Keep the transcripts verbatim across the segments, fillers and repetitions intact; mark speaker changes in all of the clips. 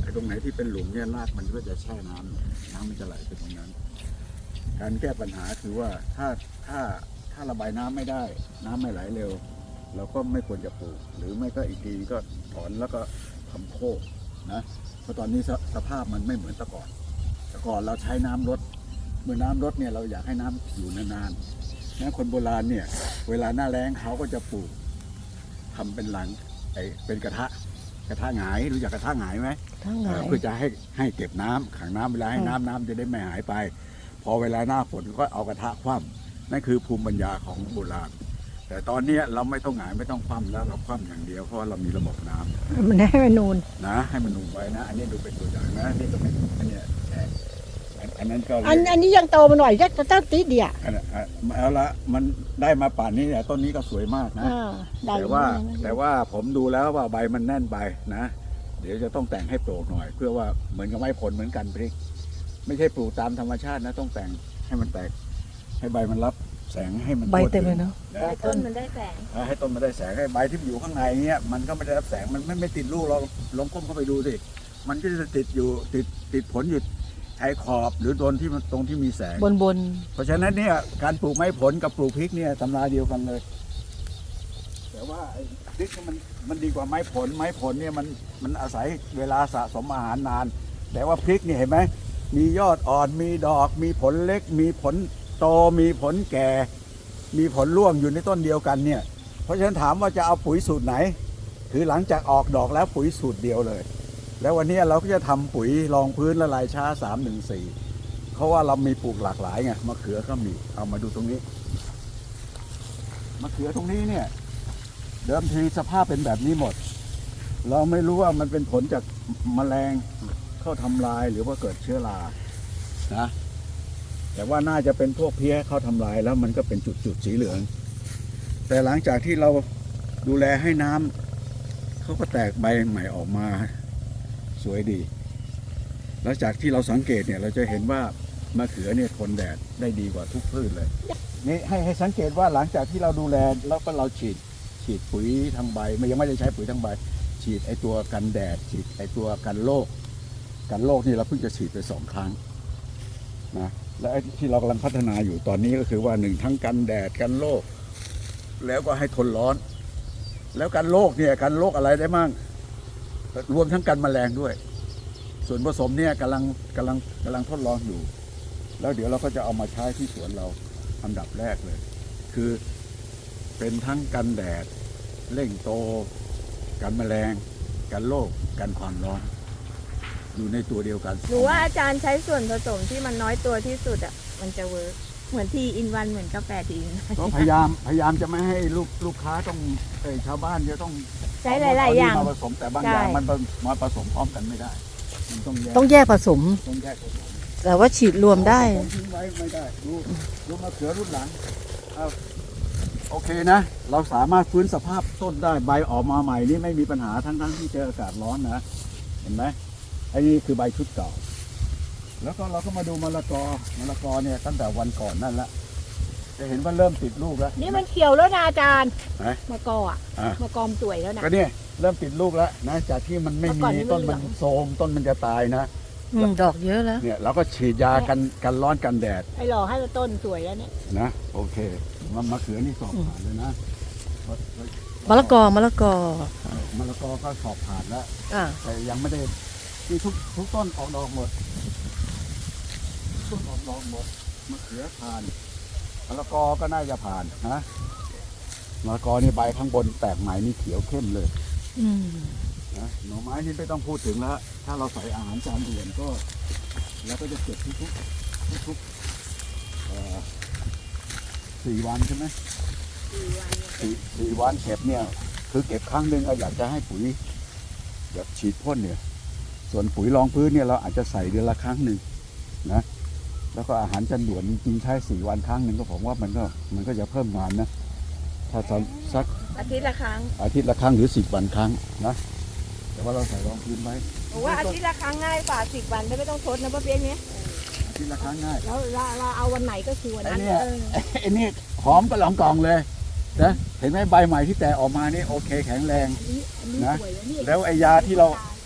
Speaker 1: ตรงไหนที่เป็นหลุมเนี่ยรากมันก็จะแช่น้ำน้ำมันจะไหลไปตรงนั้นการแก้ปัญหาคือว่าถ้าถ้าถ้าระบายน้ำไม่ได้น้ำไม่ไหลเร็วเราก็ไม่ควรจะปลูกหรือไม่ก็อีกทีก็ถอนแล้วก็ทำโคกนะเพราะตอนนี้สสภาพมันไม่เหมือนแต่ก่อนแต่ก่อนเราใช้น้ำลดเมื่อน้ำลดเนี่ยเราอยากให้น้ำอยู่นานๆนะคนโบราณเนี่ยเวลาหน้าแล้งเขาก็จะปลูกทำเป็นหลังไอเป็นกระทะกระทะหงายรู้จักกระทะหงายไหม
Speaker 2: ทั้งหลาย
Speaker 1: เพื่อจะให้ให้เก็บน้ำขังน้ำเวลาให้น้ำน้ำจะได้ไม่หายไปพอเวลาหน้าฝนก็เอากระทะคว่ำนั่นคือภูมิปัญญาของโบราณแต่ตอนนี้เราไม่ต้องหงายไม่ต้องคว่ำแล้วเราคว่ำอย่างเดียวเพราะเรามีระบบน้ำ
Speaker 2: มันให้มันนูน
Speaker 1: นะให้มันนุ่มไว้นะอันนี้ดูเป็นตัวอย่างนะนี่ก็เป็นอันเนี้ยแฉกอันอันนั้นก็
Speaker 2: อันอันนี้ยังโตมาหน่อยจะเจ้าติดเดียว
Speaker 1: อันนั้นอ่ะเอาละมันได้มาป่านนี้เนี่ยต้นนี้ก็สวยมากนะ
Speaker 2: อ่าได้
Speaker 1: แต่ว่า
Speaker 2: ได้
Speaker 1: แต่ว่าผมดูแล้วว่าใบมันแน่นไปนะเดี๋ยวจะต้องแต่งให้โปร่งหน่อย เพื่อว่าเหมือนกับไม้ผลเหมือนกันพริก ไม่ใช่ปลูกตามธรรมชาตินะต้องแต่งให้มันแตกให้ใบมันรับแสงให้มัน
Speaker 2: ใบ
Speaker 1: ทั่ว
Speaker 2: เต็ม
Speaker 1: ถึง
Speaker 2: เลยเนาะ
Speaker 1: นะ
Speaker 3: ให้ต้นมันได้แสง
Speaker 1: อ่าให้ต้นมันได้แสงให้ใบที่อยู่ข้างในเนี้ยมันก็ไม่ได้รับแสงมันไม่ไม่ติดลูกเราลองก้มเข้าไปดูสิมันก็จะติดอยู่ติดติดผลอยู่ชายขอบหรือโดนที่มันตรงที่มีแสง
Speaker 2: บนบน
Speaker 1: เพราะฉะนั้นเนี่ยการปลูกไม้ผลกับปลูกพริกเนี่ยตำราเดียวกันเลย แต่ว่าไอ้พริกเนี่ยมันมันดีกว่าไม้ผลไม้ผลเนี่ยมันมันอาศัยเวลาสะสมอาหารนาน แต่ว่าพริกเนี่ยเห็นไหมมียอดอ่อนมีดอก มีผลเล็ก มีผลโตมีผลแก่ มีผลร่วงอยู่ในต้นเดียวกันเนี่ยเพราะฉะนั้นถามว่าจะเอาปุ๋ยสูตรไหนคือหลังจากออกดอกแล้วปุ๋ยสูตรเดียวเลย แล้ววันนี้เราก็จะทำปุ๋ยรองพื้นละลายช้าสามหนึ่งสี่เพราะว่าเรามีปลูกหลากหลายไงมะเขือก็มีเอามาดูตรงนี้มะเขือตรงนี้เนี่ยเดิมทีสภาพเป็นแบบนี้หมด เราไม่รู้ว่ามันเป็นผลจากแมลงเข้าทำลายหรือว่าเกิดเชื้อรานะแต่ว่าน่าจะเป็นพวกเพี้ยเข้าทำลายแล้วมันก็เป็นจุดๆสีเหลือง แต่หลังจากที่เราดูแลให้น้ำเขาก็แตกใบใหม่ออกมาสวยดีแล้วจากที่เราสังเกตเนี่ยเราจะเห็นว่ามะเขือเนี่ยทนแดดได้ดีกว่าทุกพืชเลยนี่ให้ให้สังเกตว่าหลังจากที่เราดูแลแล้วก็เราฉีดฉีดปุ๋ยทางใบไม่ยังไม่ได้ใช้ปุ๋ยทางใบฉีดไอตัวกันแดดฉีดไอตัวกันโรคกันโรคนี่เราเพิ่งจะฉีดไปสองครั้งนะและไอ้ที่เรากำลังพัฒนาอยู่ตอนนี้ก็คือว่าหนึ่งทั้งกันแดดกันโรคแล้วก็ให้ทนร้อน แล้วกันโรคเนี่ยกันโรคอะไรได้มั่งรวมทั้งกันแมลงด้วยส่วนผสมเนี่ยกำลังกำลังกำลังทดลองอยู่แล้วเดี๋ยวเราก็จะเอามาใช้ที่สวนเราอันดับแรกเลย คือเป็นทั้งกันแดดเร่งโตกันแมลงกันโรคกันความร้อนอยู่ในตัวเดียวกัน
Speaker 3: หรือว่าอาจารย์ใช้ส่วนผสมที่มันน้อยตัวที่สุดอ่ะมันจะเวิร์กเหมือนทีอินวันเหมือนกาแฟทีอินวัน
Speaker 1: ก็พยายามพยายามจะไม่ให้ลูกลูกค้าต้องเอ้ยชาวบ้านจะต้อง
Speaker 3: ใช้หลายๆอย่าง
Speaker 1: มาผสมแต่บางอย่างมันมาผสมพร้อมกันไม่ได้มันต้องแยก
Speaker 2: ต้องแยกผสม
Speaker 1: ต้องแยกผสม
Speaker 2: แต่ว่าฉีดรวมได้
Speaker 1: ผมทิ้งไว้ไม่ได้ดูดูมะเขือรุ่นหลังเอาโอเคนะ เราสามารถฟื้นสภาพต้นได้ใบออกมาใหม่นี่ไม่มีปัญหาทั้งทั้งที่เจออากาศร้อนนะเห็นไหมไอ้นี่คือใบชุดเก่าแล้วก็เราก็มาดูมะละกอมะละกอเนี่ยตั้งแต่วันก่อนนั่นละจะเห็นว่าเริ่มติดลูกแล้ว
Speaker 3: นี่มันเขียวแล้วนะอาจารย์
Speaker 1: ไหน
Speaker 3: มะกออ่ะ
Speaker 1: อ่ะ
Speaker 3: มะกอมสวยแล้วนะ
Speaker 1: ก็เนี่ยเริ่มติดลูกแล้วนะจากที่มันไม่
Speaker 3: เมื่อก่
Speaker 1: มี
Speaker 3: อนนี่มัน
Speaker 1: ต้นมัน
Speaker 3: เหลือง
Speaker 1: โทรมต้นมันจะตายนะ
Speaker 2: อืมดอกเยอะแล้ว
Speaker 1: เนี่ยเราก็ฉีดยากันกันร้อนกันแดด
Speaker 3: ให้หล่อให้ต้นสวยแล้วเนี่ย
Speaker 1: นะโอเคมะมะเขือนี่สอบผ่านเลยนะ
Speaker 2: มะละกอมะละกอ
Speaker 1: มะละกอก็สอบผ่านแล้ว
Speaker 2: อ่า
Speaker 1: แต่ยังไม่ได้ที่ทุกทุกต้นออกดอกหมดต้นออกดอกหมดมะเขือผ่านมะละกอก็น่าจะผ่านนะมะละกอนี่ใบข้างบนแตกใหม่นี่เขียวเข้มเลย
Speaker 2: อืม
Speaker 1: นะหน่อไม้นี่ไม่ต้องพูดถึงแล้วถ้าเราใส่อาหารจานด่วนก็เราก็จะเก็บทุกทุกทุกทุกๆเอ่อสี่วันใช่ไหม สี่สี่วันเก็บเนี่ยคือเก็บครั้งหนึ่งเราอยากจะให้ปุ๋ยแบบฉีดพ่นเนี่ยส่วนปุ๋ยรองพื้นเนี่ยเราอาจจะใส่เดือนละครั้งหนึ่งนะแล้วก็อาหารจันด่วนจริงๆใช้สี่วันครั้งหนึ่งก็ผมว่ามันก็มันก็จะเพิ่มงานนะถ้าทำสัก
Speaker 3: อาทิตย์ละครั้ง
Speaker 1: อาทิตย์ละครั้งหรือสิบวันครั้งนะแต่ว่าเราใส่รองพื้นไว้
Speaker 3: ผมว่าอาทิตย์ละครั้งง่ายกว่าสิบวันไม่ต้องทดนะป้าเปี๊ยกเนี้ย
Speaker 1: อาทิตย์ละครั้งง่าย
Speaker 3: แล้วเราเราเอาวันไหนก็คือวัน
Speaker 1: ไอ้
Speaker 3: นั้น
Speaker 1: เนี่ย
Speaker 3: เออ
Speaker 1: ไอ้นี่หอมก็หลองกล่องเลยนะเห็นไหมใบใหม่ที่แตกออกมานี่โอเคแข็งแรง
Speaker 3: อันนี้อันนี้
Speaker 1: นะ
Speaker 3: สวยแล้วนี่
Speaker 1: แล้วไอ้ยาที่เรา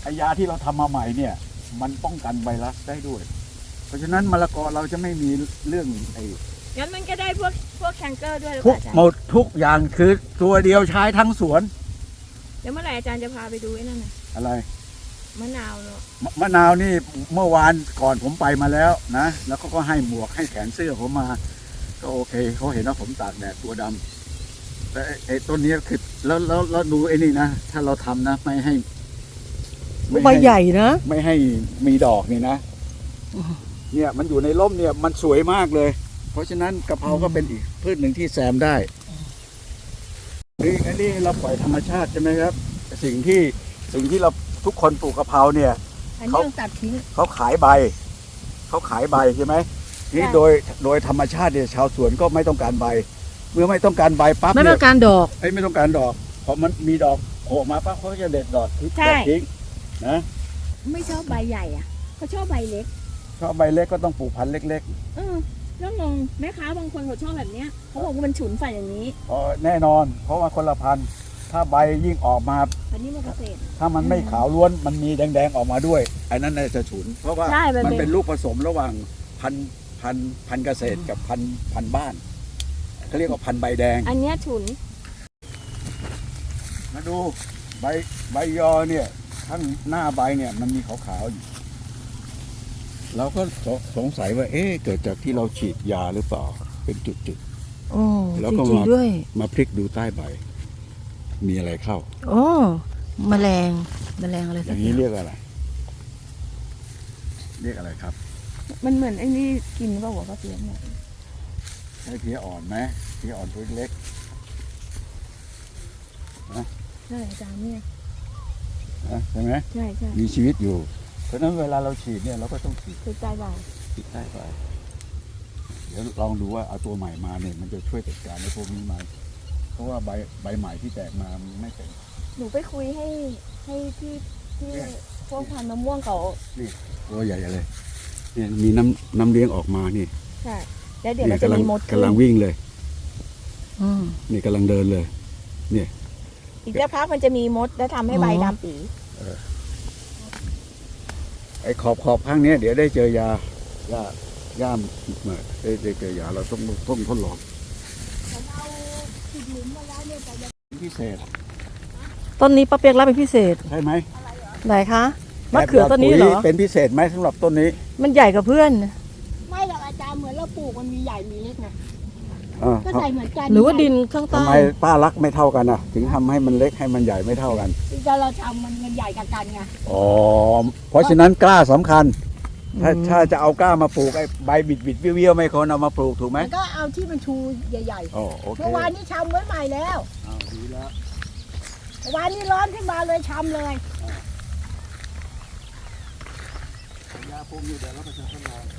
Speaker 1: ไอยาที่เราทำมาใหม่เนี่ย มันป้องกันไวรัสได้ด้วย เพราะฉะนั้นมะละกอเราจะไม่มีเรื่องไอ้
Speaker 3: งั้นมันก็ได้พวกพวกแคนเกอร์ด้วยหรือเป
Speaker 1: ทุก
Speaker 3: ล่าอาจาร
Speaker 1: หม
Speaker 3: ย์
Speaker 1: ดทุกอย่างคือตัวเดียวใช้ทั้งสวน
Speaker 3: เดี๋ยวเมื่อไหร่อาจารย์จะพาไปดูไอ้นั่นน่ะ
Speaker 1: อะไร
Speaker 3: มะนาวเนาะ
Speaker 1: มะมะนาวนี่เมื่อวานก่อนผมไปมาแล้วนะ แล้วเขาก็ให้หมวกให้แขนเสื้อผมมา ก็โอเคเขาเห็นว่าผมตากแดดตัวดำแต่ไอ้ไอ้ต้นเนี้ยคือแล้วแล้วแล้วดูไอ้นี่นะ ถ้าเราทำนะ ไม่ให้ไม่
Speaker 2: ใบ
Speaker 1: ให้
Speaker 2: ใหญ่นะ
Speaker 1: ไม่ให้มีดอกนี่นะ เนี่ยมันอยู่ในร่มเนี่ยมันสวยมากเลย เพราะฉะนั้นกะเพราก็เป็นอีกพืชหนึ่งที่แซมได้นี่อันนี้เราปล่อยธรรมชาติใช่ไหมครับ สิ่งที่สิ่งที่เราทุกคนปลูกกะเพราเนี่ย
Speaker 3: อันนี้
Speaker 1: เขา
Speaker 3: ต้องตัดทิ้ง
Speaker 1: เขาขายใบ เขาขายใบใช่ไหมนี่
Speaker 3: ใช่
Speaker 1: โดยโดยธรรมชาติเนี่ยชาวสวนก็ไม่ต้องการใบ เมื่อไม่ต้องการใบปั๊บ
Speaker 2: ไม่
Speaker 1: เนี่
Speaker 2: ต้อย งการดอก
Speaker 1: ไอ้ยไม่ต้องการดอกพอมันมีดอกโผล่มาปั๊บเขาก็จะเด็ดดอกทิ้ง
Speaker 3: ใช่
Speaker 1: เด็ดทิ้งนะ
Speaker 3: ไม่ชอบใบใหญ่อ่ะเขาชอบใบเล็ก
Speaker 1: ชอบใบเล็กก็ต้องปลูกพันธุ์เล็ก
Speaker 3: เออแล้วงงแม่ค้าบางคนเขาชอบแบบเนี้ยเขาบอกว่ามันฉุนใส่อย่างนี้
Speaker 1: ๆอ๋อแน่นอน เพราะว่าคนละพันธุ์ถ้าใบยิ่งออกมา
Speaker 3: อันนี้มันเกษตร
Speaker 1: ถ้ามันไม่ขาวล้วนมันมีแดงๆออกมาด้วยไอ้นั้นน่าจะฉุน เพราะว่า
Speaker 3: ใช่มัน
Speaker 1: มัน
Speaker 3: เป็
Speaker 1: เป็น นลูกผสมระหว่างพันธุ์พันธุ์พันธุ์เกษตรกับพันธุ์พันธุ์บ้านเขาเรียกว่าพันธุ์ใบแดง
Speaker 3: อันเนี้ยฉุน
Speaker 1: มาดูใบใบยอเนี่ยข้างหน้าใบเนี่ยมันมีขาวๆอยู่เราก็สสงสัยว่า เอ๊ะเกิดจากที่เราฉีดยาหรือเปล่าเป็นจุด
Speaker 2: โอ้
Speaker 1: แล้ว
Speaker 2: จ
Speaker 1: ก็
Speaker 2: ริง
Speaker 1: มา
Speaker 2: ๆด้วย
Speaker 1: ๆมาพลิกดูใต้ใบ มีอะไรเข้า
Speaker 2: โอ้แมลงแมลงอะไร
Speaker 1: อ
Speaker 2: สัก
Speaker 1: ย่าง
Speaker 2: อ
Speaker 1: นี้
Speaker 2: ย่าง
Speaker 1: เรียกอะไร เรียกอะไรครับ
Speaker 3: มันเหมือนไอ้นี่กินเปล่าวะก็เพี้ยนเนี่ย
Speaker 1: ใช้เพี้ยอ่อนไหมเพี้ยอ่อนตัวเล็ก
Speaker 3: ใช่อาจารย์เนี่ย
Speaker 1: นะใช่ไหม
Speaker 3: ใช่ใช่
Speaker 1: มีชีวิตอยู่ เพราะฉะนั้นเวลาเราฉีดเนี่ยเราก็ต้องฉีด
Speaker 3: คือใจบ่าย
Speaker 1: ฉีดใต้ใบเดี๋ยวลองดูว่าเอาตัวใหม่มาเนี่ยมันจะช่วยจัดการในพวกนี้ไหมเพราะว่าใบใบใหม่ที่แตกมามันไม่เป็น
Speaker 3: หนูไปคุยให้ให้ที่ที่
Speaker 1: เนี่ย
Speaker 3: พวกพันธุ์มะม่วงเขา
Speaker 1: ตัวใหญ่เลยเนี่ยมีน้ำน้ำเลี้ยงออกมานี่
Speaker 3: ใช่แล้วเดี๋ยว
Speaker 1: เนี่
Speaker 3: เรา
Speaker 1: ย
Speaker 3: จะ
Speaker 1: กำลัง
Speaker 3: มีมดขึ้
Speaker 1: กำลัง
Speaker 3: น
Speaker 1: วิ่งเลย
Speaker 2: อืม
Speaker 1: นี่กำลังเดินเลย
Speaker 3: อีกสักพักมันจะมีมดแล้วทำให้ใบ
Speaker 2: อ๋อ
Speaker 3: ดำปี
Speaker 1: ไอ้ขอบขอบข้างเนี้ยเดี๋ยวได้เจอยายาย่ามมาได้ได้เจอยาเราต้องต้องทดลอง
Speaker 3: เอาขุดหลุมมาแล้วเนี่ยแต่ยัง
Speaker 1: พิเศษ
Speaker 2: ต้นนี้ป้าเปียกรับเป็นพิเศษ
Speaker 1: ใช่ไหม
Speaker 2: ไหนคะมะเขือต้นนี้เหรอ
Speaker 1: แบบปุ๋ยเป็นพิเศษไหมสำหรับต้นนี้
Speaker 2: มันใหญ่กับเพื่อน
Speaker 3: ไม่หรอกอาจารย์เหมือนเราปลูกมันมีใหญ่มีเล็กนะ
Speaker 1: อ่า
Speaker 3: ก็ใส่เหมือนกัน
Speaker 2: หรือว่าดินข้าง
Speaker 1: ทำ
Speaker 2: ใต้
Speaker 1: ไมป้ารักไม่เท่ากันอ่ะ ถึงทำให้มันเล็กให้มันใหญ่ไม่เท่ากัน
Speaker 3: แต่เราทำมันมันใหญ่กับกันไง
Speaker 1: อ๋อเพราะฉะนั้นกล้าสำคัญ ถ้า
Speaker 2: อืม
Speaker 1: ถ้าจะเอากล้ามาปลูกไอ้ใบบิดบิดๆเบี้ยวๆไม่ควรเอามาปลูกถูกไหม
Speaker 3: มันก็เอาที่มันชูใหญ่
Speaker 1: อ๋อโอ
Speaker 3: ๆ
Speaker 1: เค
Speaker 3: เมื่อวานนี้ชำไว้ใหม่แล้ว
Speaker 1: อ้าวดีแล้ว
Speaker 3: เมื่อวานนี้ร้อนขึ้นมาเลยชำเลย
Speaker 1: ยาพวกนี้เดี๋ยวเราไปจะทดลอง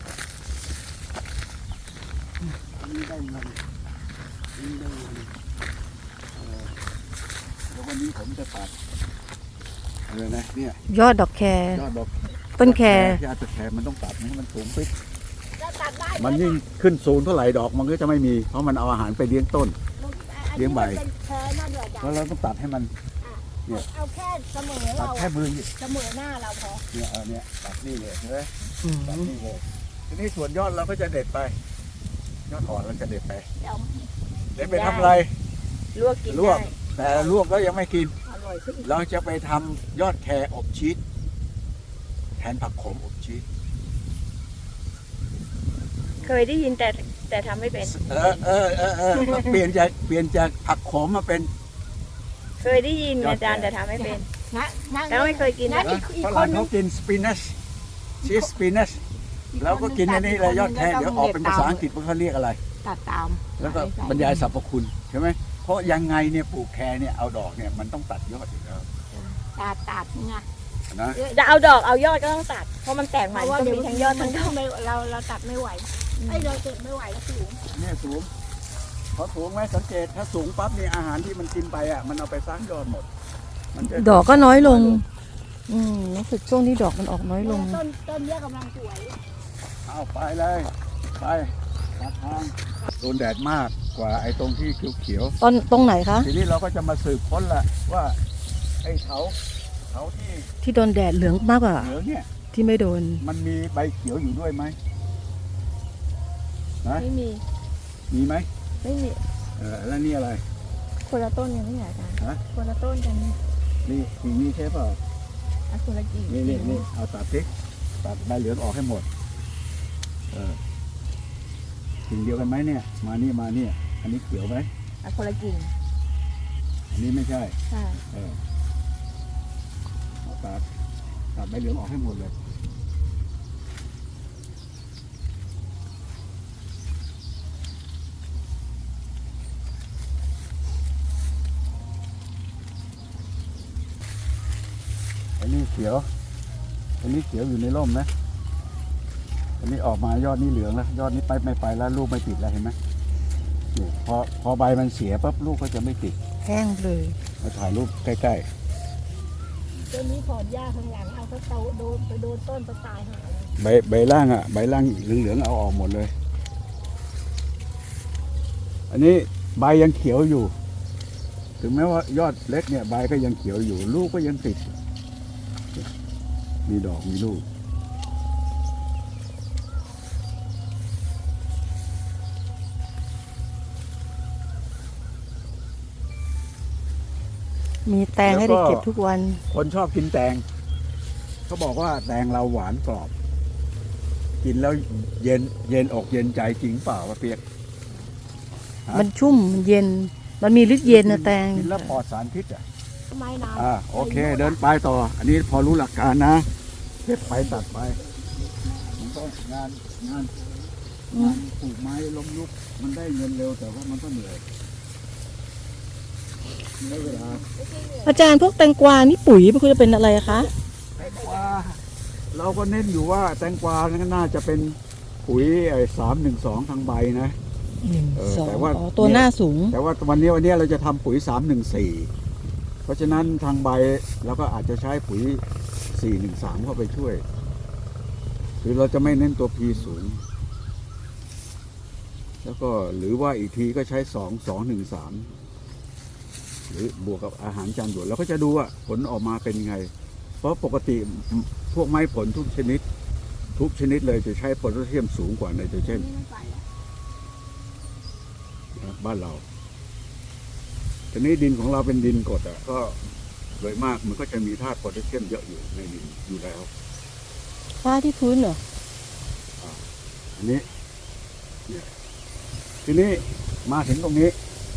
Speaker 1: อันนี้ได้เงินอันนี้ได้เงินเอ่อแล้ววันนี้ผมจะตัดอะไรนะเนี่ย
Speaker 2: ยอดดอกแคร
Speaker 1: ยอดดอก
Speaker 2: ต้นแคร
Speaker 1: ยอดแครมันต้องตัดให้มันสูงปิ๊บ
Speaker 3: จะตัดได้ไห
Speaker 1: มันยิ่งขึ้นสูงเท่าไหร่ดอกมันก็จะไม่มี เพราะมันเอาอาหารไปเลี้ยงต้น เลี้ยงใบ
Speaker 3: เป็นแค่นั่นเดียวจ้ะ
Speaker 1: แล้วเราต้องตัดให้มัน เนี่ย
Speaker 3: เอาแค่เสมอ
Speaker 1: ตัด
Speaker 3: เรา
Speaker 1: แค่มือ
Speaker 3: เสมอหน้าเราพอ
Speaker 1: เนี่ยเออเนี่ยตัดนี่เลยใช่ไหม
Speaker 2: อืม
Speaker 1: ตัดนี่เลยทีนี้ส่วนยอดเราก็จะเด็ดไป ยอดอ่อนเราจะเด็ดไป
Speaker 3: เดี๋ยว
Speaker 1: เด็ดไปทำอะไร
Speaker 3: ลวกกิน
Speaker 1: ลวก
Speaker 3: ได้
Speaker 1: แต่ลวกแล้วยังไม่กิน
Speaker 3: อร่อยขึ้น
Speaker 1: เราจะไปทำยอดแครอบชีสแทนผักขมอบชีส
Speaker 3: เคยได้ยินแต่แต่ทำไม่เป็น
Speaker 1: เออเออเออเออเปลี่ยนจากเปลี่ยนจากผักขมมาเป็น
Speaker 3: เคยได้ยิน
Speaker 1: ยอด
Speaker 3: อาจารย์
Speaker 1: แก่
Speaker 3: แต่ทำไม่เป็น
Speaker 4: นะ
Speaker 3: แล้วไม่เคยกิน
Speaker 4: นะ
Speaker 3: นะ
Speaker 4: อีกอีก
Speaker 1: ฝ
Speaker 4: ค
Speaker 1: รั่
Speaker 4: น
Speaker 1: ง
Speaker 4: นึ
Speaker 1: เขา
Speaker 4: ง
Speaker 1: กินสปินัชชีสสปินัชแล้วก็กินอันนี้เลยยอดแครเดี๋ยวออกเป็นภาษาอังกฤษว่าเขาเรียกอะไร
Speaker 4: ตัดตาม
Speaker 1: แล้วก็บรรยายสรรพคุณใช่ไหมเพราะยังไงเนี่ยปลูกแครเนี่ยเอาดอกเนี่ยมันต้องตัดยอดอยู่แล้ว
Speaker 4: ตัดตัดไง
Speaker 1: นะ
Speaker 3: จะเอาดอกเอายอดก็ต้องตัด เพราะมันแตก
Speaker 4: เพ
Speaker 3: ใหม่
Speaker 4: ราะว่า
Speaker 3: ต้อง
Speaker 4: เดี๋ยว
Speaker 3: มีทั้งยอดทั้งดอก
Speaker 4: ไม่เราเราตัดไม่ไหวไอ้เราเก็บไม่ไหวแล้วสูง
Speaker 1: เนี่ยสูงพอสูงไหมสังเกตถ้าสูงปั๊บนี่อาหารที่มันกินไปอ่ะมันเอาไปสร้างยอดหมด มันจะ
Speaker 2: ดอกก็น้อยลง อืมรู้สึกช่วงนี้ดอกมันออกน้อยลง
Speaker 4: ต้นต้นเนี้ยกำลังสวย
Speaker 1: เอาไปเลยไปตัดทางโดนแดดมากกว่าไอ้ตรงที่เขียว
Speaker 2: ต้นตรงไหนคะ
Speaker 1: ๆทีนี้เราก็จะมาสืบค้นละว่าไอ้เถาเขาที่
Speaker 2: ที่โดนแดดเหลืองมากกว่า
Speaker 1: เหลืองเนี่ย
Speaker 2: ที่ไม่โดน
Speaker 1: มันมีใบเขียวอยู่ด้วยไหมนะ
Speaker 3: ไม่มี
Speaker 1: มีไหม
Speaker 3: ไม่มี
Speaker 1: เออแล้วนี่อะไร
Speaker 3: คนละต้นกันไม่ใช่อาจารย์
Speaker 1: ฮะ
Speaker 3: คนละต้นกัน
Speaker 1: นี่กิ่งนี้ใช่เปล่า
Speaker 3: อ่ะคนละกิ่ง
Speaker 1: นี่นี่นี่เอาตัดสิตัดใบเหลืองออกให้หมดเออกิ่งเดียวกันไหมเนี่ย มานี่มาเนี่ยอันนี้เขียวไหม
Speaker 3: อ่ะคนละกิ่ง
Speaker 1: อันนี้ไม่ใช่
Speaker 3: ใช่
Speaker 1: เออเอาตัดตัดใบเหลืองออกให้หมดเลยอันนี้เขียวอันนี้เขียวอยู่ในร่มนะอันนี้ออกมายอดนี้เหลืองแล้วยอดนี้ไปไม่ไปแล้วลูกไม่ติดแล้วเห็นไหมนี่พอพอใบมันเสียปั๊บลูกก็จะไม่ติด
Speaker 2: แห้งเลย
Speaker 1: มาถ่ายรูปใกล้
Speaker 4: ตัวนี้ถอนหญ้าข้างหลังเอาเขาเตาโดนไปโดนต้นตะตายหาเลย
Speaker 1: ๆใบใบล่างอ่ะใบล่างเหลืองๆเอาออกหมดเลย อันนี้ใบยังเขียวอยู่ ถึงแม้ว่ายอดเล็กเนี่ยใบก็ยังเขียวอยู่ ลูกก็ยังติด มีดอกมีลูก
Speaker 2: มีแตงให้ได้เก็บทุกวัน
Speaker 1: คนชอบกินแตงเขาบอกว่าแตงเราหวานกรอบ กินแล้วเย็นเย็นอกเย็นใจจริงเปล่าวะเปียก ฮะ
Speaker 2: มันชุ่มมันเย็น มันมีฤทธิ์เย็นนะแตง
Speaker 1: กินแล้วปลอดสารพิษอ่ะ
Speaker 4: ทำไมนาน
Speaker 1: อ่าโอเค เดินไปต่อ อันนี้พอรู้หลักการนะเก็บไปตัดไปมันก็งานงานงานปลูกไม้ล้มลุก มันได้เงินเร็วแต่ว่ามันก็เหนื่อยไม่เวลา
Speaker 2: อาจารย์พวกแตงกวานี่ปุ๋ยมันควรจะเป็นอะไรคะ
Speaker 1: แตงกวาเราก็เน้นอยู่ว่าแตงกวานั้นน่าจะเป็นปุ๋ยไอ้สามหนึ่งสองทางใบนะ
Speaker 2: หนึ่ง
Speaker 1: เออ
Speaker 2: สอง
Speaker 1: แต่ว่า
Speaker 2: อ๋อตัวหน้าสูง
Speaker 1: แต่ว่าวันนี้วันนี้เราจะทำปุ๋ยสามหนึ่งสี่เพราะฉะนั้นทางใบเราก็อาจจะใช้ปุ๋ยสี่หนึ่งสามเข้าไปช่วยคือเราจะไม่เน้นตัว P สูง แล้วก็หรือว่าอีกทีก็ใช้สองสองหนึ่งสามหรือบวกกับอาหารจานด่วนเราก็จะดูว่าผลออกมาเป็นยังไง เพราะปกติพวกไม้ผลทุกชนิด ทุกชนิดเลยจะใช้โพแทสเซียมสูงกว่าไนโตรเจน
Speaker 4: นี่ไม่ไปแล้ว
Speaker 1: บ้านเราทีนี้ดินของเราเป็นดินกรดอ่ะก็โดยมากมันก็จะมีธาตุโพแทสเซียมเยอะอยู่ในดินอยู่แล้ว
Speaker 2: ฟ้าที่พื้นเหรอ
Speaker 1: อันนี้เนี่ยทีนี้มาถึงตรงนี้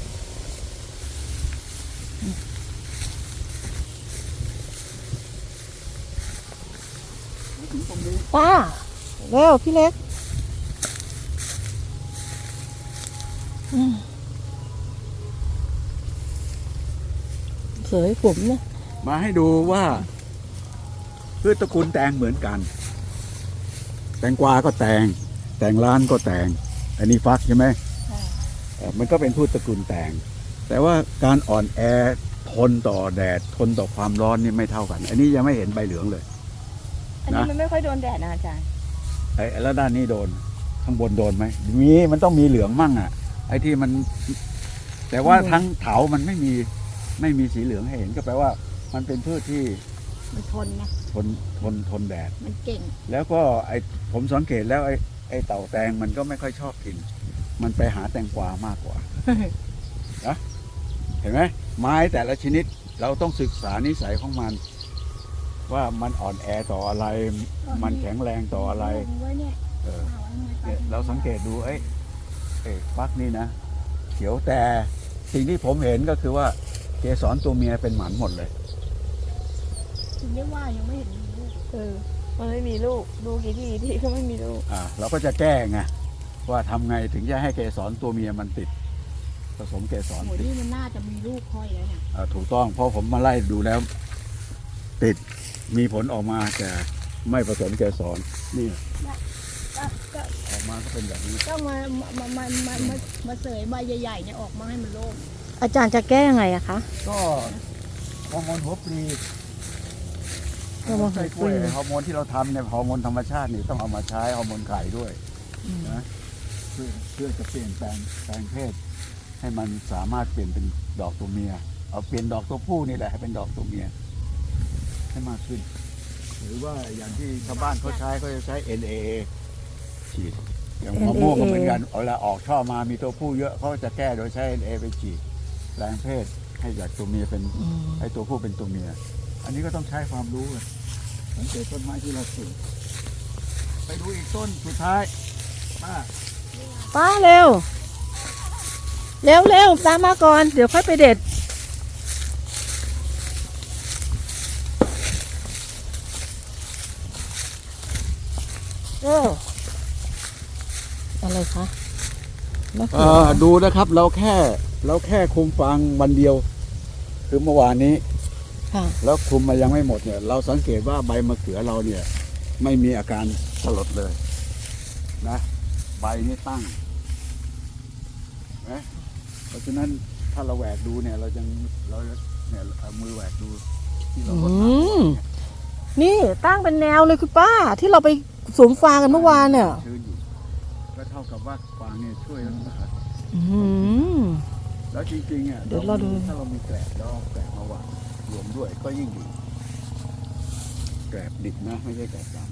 Speaker 1: มาถึงตรงนี้
Speaker 2: ป้าเร็วพี่เล็กอืมเสยผมเนี่ย
Speaker 1: มาให้ดูว่าพืชตระกูลแตงเหมือนกัน แตงกวาก็แตง แตงล้านก็แตง อันนี้ฟักใช่ไหมเอ่อมันก็เป็นพืชตระกูลแตง แต่ว่าการอ่อนแอทนต่อแดดทนต่อความร้อนนี่ไม่เท่ากัน อันนี้ยังไม่เห็นใบเหลืองเลย
Speaker 3: อันนี้มันไม่ค่อยโดนแดดนะอาจารย์
Speaker 1: ไอ้แล้วด้านนี้โดนข้างบนโดนไหมมีมันต้องมีเหลืองมั่งอ่ะ ไอ้ที่มัน แต่ว่าทั้งเถามันไม่มีไม่มีสีเหลืองให้เห็นก็แปลว่า มันเป็นพืชที่
Speaker 4: มันทนนะ
Speaker 1: ทนทนทนแดด
Speaker 4: มันเก่ง
Speaker 1: แล้วก็ไอ้ผมสังเกตแล้วไอ้ไอ้เต่าแตงมันก็ไม่ค่อยชอบกิน มันไปหาแตงกวามากกว่า นะเห็นไหมไม้แต่ละชนิดเราต้องศึกษานิสัยของมัน ว่ามันอ่อนแอต่ออะไร มันแข็งแรงต่ออะไร
Speaker 4: ลงไว้เนี่ย
Speaker 1: เออ
Speaker 4: เอาไว้ทำไมไป
Speaker 1: เนี่ยเราสังเกตดูเอ้ยเอ้ยฟักนี่นะเขียวแต่สิ่งที่ผมเห็นก็คือว่าเกสรตัวเมียเป็นหมันหมดเลย
Speaker 4: ถึงได้ว่ายังไม่เห็นมีลูก
Speaker 3: เออ มันไม่มีลูก ดูกี่ทีทีก็ไม่มีลูก
Speaker 1: อ่าเราก็จะแก้ไงว่าทำไงถึงจะให้เกสรตัวเมียมันติด ผสมเกสร
Speaker 4: โอ้ย
Speaker 1: ติด
Speaker 4: นี่มันน่าจะมีลูกค่อยแล้วเนี่ย
Speaker 1: อ่าถูกต้องเพราะผมมาไล่ดูแล้ว ติดมีผลออกมาแต่ไม่ผสมเกสรนี่
Speaker 4: ก็ก็
Speaker 1: ออกมาก็เป็นแบบนี้
Speaker 4: ก็มามามามามามาเสยใบใหญ่ๆเนี่ยออกมาให้มันโล่ง
Speaker 2: อาจารย์จะแก้ยังไงอะคะ
Speaker 1: ก็ฮอร์โมนหัวปลี
Speaker 2: ฮอร์โมนหัวปลี
Speaker 1: ฮอร์โมนที่เราทำเนี่ยฮอร์โมนธรรมชาตินี่ต้องเอามาใช้ฮอร์โมนไข่ด้วยนะเพื่อเพื่อจะเปลี่ยนแปลงแปลงเพศ ให้มันสามารถเปลี่ยนเป็นดอกตัวเมีย เอาเปลี่ยนดอกตัวผู้นี่แหละให้เป็นดอกตัวเมียให้มากขึ้น หรือว่าอย่างที่ชาวบ้านเขาใช้เขาจะใช้ เอ็น เอ เอ ฉีดอย่างมะม่วงก็เหมือนกันเอาละออกช่อมามีตัวผู้เยอะเขาจะแก้โดยใช้ เอ็น เอ ไปฉีดแปลงเพศให้จากตัวเมียเป็น
Speaker 2: อืม
Speaker 1: ให้ตัวผู้เป็นตัวเมีย อันนี้ก็ต้องใช้ความรู้เลยสังเกตต้นไม้ที่เราปลูกไปดูอีกต้นสุดท้ายป้า
Speaker 2: ป้าเร็ว เร็วเร็วตามมาก่อน เดี๋ยวค่อยไปเด็ด เอออะไรคะมะเขื
Speaker 1: เอ่
Speaker 2: อ
Speaker 1: อดูนะครับเราแค่เราแค่คุมฟางวันเดียว คือเมื่อวานนี้
Speaker 2: ค่ะ
Speaker 1: แล้วคุมมายังไม่หมดเนี่ย เราสังเกตว่าใบมะเขือเราเนี่ย ไม่มีอาการสลดเลยนะใบนี่ตั้งนะเพราะฉะนั้นถ้าเราแหวกดูเนี่ย เรายังเราเนี่ยเอามือแหวกดูที่เรา
Speaker 2: อื
Speaker 1: ลดน้ำ
Speaker 2: ม นี่ตั้งเป็นแนวเลยคุณป้า ที่เราไปสวมฟางกันเมื่อวานเนี่ย
Speaker 1: ชื้นอยู่ก็เท่ากับว่าฟางเนี่ยช่วยรักษา
Speaker 2: อืม
Speaker 1: แล้วจริงๆอ่ะ
Speaker 2: เดี๋ยวเราดู
Speaker 1: ถ้าเรามีแกลบแล้วเอาแกลบมาวางรวมด้วยก็ยิ่งดีแกลบดิบนะไม่ใช่แกลบดำ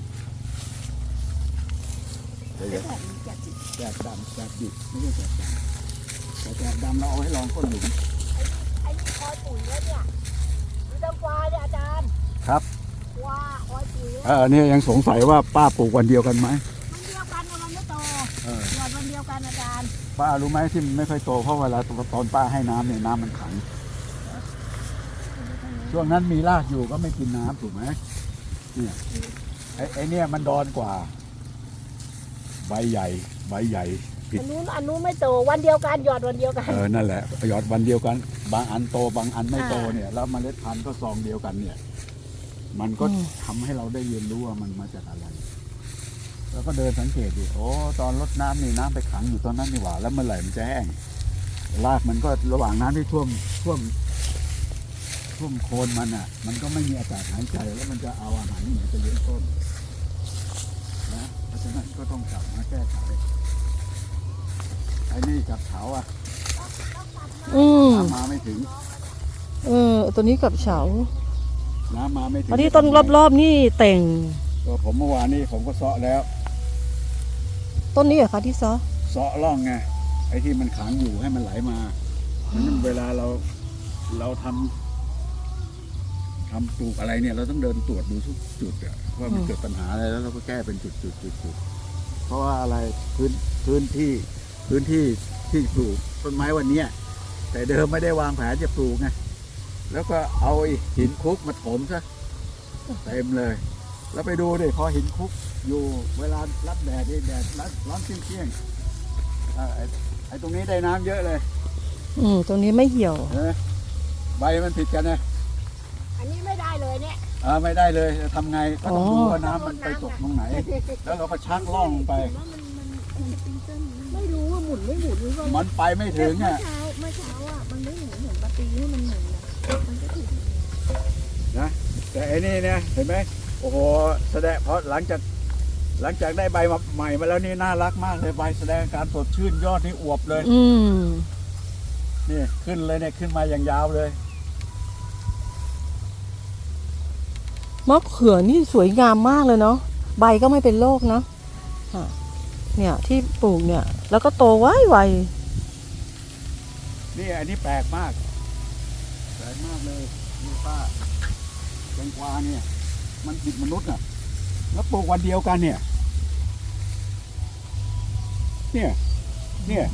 Speaker 1: เดี๋ยวๆแกลบดำแกลบดิบไม่ใช่แกลบดำแต่แกลบดำเราเอาไว้รองก้นหลุม
Speaker 4: ไอ้นี่คอยปุ๋ยแล้วเนี่ยมีตำฟ้าเนี่ยอาจารย์
Speaker 1: ครับ
Speaker 4: ว่าคอยปุ๋ยแล้ว
Speaker 1: เออเนี่ยยังสงสัยว่าป้าปลูกวันเดียวกันไหม
Speaker 4: มันเดียวกันนะมันไม่โต
Speaker 1: เออ
Speaker 4: หยอดวันเดียวกันอาจารย์
Speaker 1: ป้ารู้ไหมที่มันไม่ค่อยโตเพราะเวลาตอนป้าให้น้ำเนี่ยน้ำมันขังช่วงนั้นมีรากอยู่ก็ไม่กินน้ำถูกไหมเนี่ยไอ้ไอ้เนี่ยมันดอนกว่า ใบใหญ่ใบใหญ่ ผิด
Speaker 4: อันนู้นอันนู้นไม่โตวันเดียวกันหยอดวันเดียวกัน
Speaker 1: เออนั่นแหละหยอดวันเดียวกัน บางอันโตบางอันไม่โตเนี่ยแล้วเมล็ดพันธุ์ก็ซองเดียวกันเนี่ย มันก็
Speaker 2: อืม
Speaker 1: ทำให้เราได้เรียนรู้ว่ามันมาจากอะไร แล้วก็เดินสังเกตดิโอ้ตอนรดน้ำนี่น้ำไปขังอยู่ตอนนั้นนี่หว่า แล้วเมื่อไหร่มันจะแห้งรากมันก็ระหว่างน้ำที่ท่วมท่วมท่วมโคนมันอ่ะ มันก็ไม่มีอากาศหายใจแล้วมันจะเอาอาหารที่ไหนไปเลี้ยงต้นนะเพราะฉะนั้นก็ต้องกลับมาแก้ไขไอ้นี่กับเขาอ่ะ
Speaker 2: อืม
Speaker 1: น้ำมาไม่ถึง
Speaker 2: เออ ตัวนี้กับเฉา
Speaker 1: น้ำมาไม่ถึง
Speaker 2: อันนี้ต้นรอบๆนี่เต่ง
Speaker 1: ก็ผมเมื่อวานนี้ผมก็เซาะแล้ว
Speaker 2: ต้นนี้เหรอคะที่ซอ
Speaker 1: เซาะร่องไงไอ้ที่มันขังอยู่ให้มันไหลมาเพราะฉะนั้นเวลาเราเราทำทำปลูกอะไรเนี่ย เราต้องเดินตรวจดูทุกจุดอะว่ามันเกิดปัญหาอะไรแล้วเราก็แก้เป็นจุดจุดจุดจุดเพราะว่าอะไรพื้นพื้นที่พื้นที่ที่ปลูกต้นไม้วันเนี้ยแต่เดิมไม่ได้วางแผนจะปลูกไงแล้วก็เอาไอ้หินคลุกมาถมซะเต็มเลย แล้วไปดูดิพอหินคลุกอยู่เวลารับแดดนี่แดดร้อนร้อนเปรี้ยงๆอ่าไอ้ไอ้ตรงนี้ได้น้ำเยอะเลย
Speaker 2: อืม ตรงนี้ไม่เหี่ยว
Speaker 1: เห็นไหมใบมันผิดกันนะ
Speaker 4: อันนี้ไม่ได้เลยเนี่ย
Speaker 1: อ่าไม่ได้เลยจะทำไงก็ต้อง
Speaker 2: อ๋อ
Speaker 1: ดูว่าน้ำมันไปตกตรงไหน แล้วเราก็ชักล่องไป
Speaker 4: ไม่รู้ว่าหมุนไม่หมุนหรือว่า
Speaker 1: มันไปไม่ถึง
Speaker 4: เมื่อ
Speaker 1: อ่ะ
Speaker 4: เช้าเมื่อเช้าอ่ะมันไม่หมุนเหมือนปกติที่มันหมุนนะมันก็ถูก
Speaker 1: นะแต่ไอ้นี่เนี่ยเห็นไหมโอ้โหแสดงเพราะหลังจากหลังจากได้ใบมาใหม่มาแล้วนี่น่ารักมากเลยใบแสดงการสดชื่นยอดนี่อวบเลย
Speaker 2: อืม
Speaker 1: นี่ขึ้นเลยเนี่ยขึ้นมาอย่างยาวเลย
Speaker 2: มะเขือนี่สวยงามมากเลยเนาะ ใบก็ไม่เป็นโรคเนาะอ่ะเนี่ยที่ปลูกเนี่ย แล้วก็โตไวไว
Speaker 1: นี่อันนี้แปลกมากแปลกมากเลยนี่ป้าแตงกวาเนี่ย มันผิดมนุษย์อ่ะ แล้วปลูกวันเดียวกันเนี่ย เนี่ย เนี่ย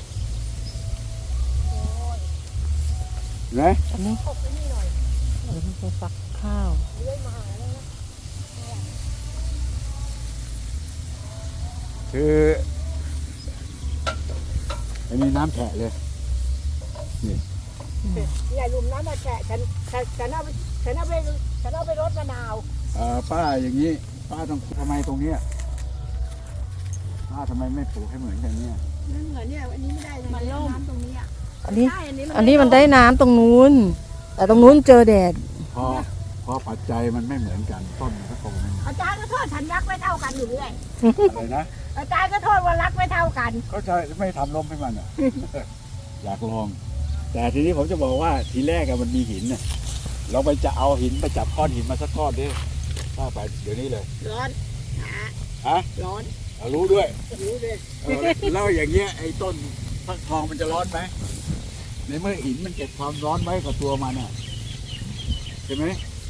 Speaker 1: เห็นไหม
Speaker 2: อันนี้
Speaker 4: ตกไปนี่หน่อย
Speaker 2: เดี๋ยวมันจะฟักข้าว
Speaker 4: เลื่อยมาหาแล้วนะ
Speaker 1: คืออันนี้น้ำแฉะเลย
Speaker 4: เนี่ยหลุมนั้นมาแฉะฉันฉันฉันเอาไปฉันเอาไปฉันเอาไปรดมะนาว
Speaker 1: เอ่อป้าอย่างนี้ ป้าต้องทำไมตรงเนี้ยป้าทำไมไม่ปลูกให้เหมือนกันเนี่ย
Speaker 4: นั่นเหมือนเนี่ยอันนี้ไม่ได้เลยน้ำตรงนี้อ่ะ
Speaker 2: อันนี้
Speaker 4: ใช่อันนี้
Speaker 2: อันนี้มันได้น้ำตรงนู้น แต่ตรงนู้นเจอแดด
Speaker 1: พอพอปัจจัยมันไม่เหมือนกันต้นมันก็โตไม่เหมือน
Speaker 4: อาจารย์ก็โทษฉันรักไม่เท่ากันอยู่เรื่อย
Speaker 1: อะไรนะ
Speaker 4: อาจารย์ก็โทษว่ารักไม่เท่ากัน
Speaker 1: ก็จะไม่ทำลมให้มันอ่ะ อยากลอง แต่ทีนี้ผมจะบอกว่าทีแรกอะมันมีหินน่ะเราไปจะเอาหินไปจับก้อนหินมาสักก้อนดิถ้าไปเดี๋ยวนี้เลย
Speaker 4: ร้อนหา
Speaker 1: ฮะ
Speaker 4: ร้อน
Speaker 1: เอารู้ด้วย
Speaker 4: รู้เลย
Speaker 1: เออแล้วอย่างเงี้ยไอ้ต้นฟักทองมันจะร้อนไหมในเมื่อหินมันเก็บความร้อนไว้กับตัวมันอ่ะใช่ไหม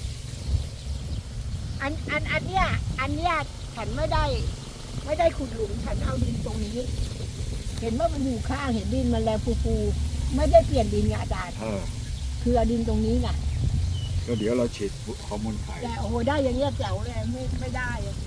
Speaker 4: อันอันอันเนี้ยอันเนี้ยฉันไม่ได้ ไม่ได้ขุดหลุมฉันเอาดินตรงนี้ เห็นว่ามันอยู่ข้างเห็นดินมันแรงฟูๆไม่ได้เปลี่ยนดินไงอาจารย์
Speaker 1: เออ
Speaker 4: คือเอาดินตรงนี้ไง
Speaker 1: ก็เดี๋ยวเราฉีดฮอร์โมนไข่
Speaker 4: แต่โอ้โหได้อย่างเงี้ยแจ๋วเลยไม่ไม่ได้อะ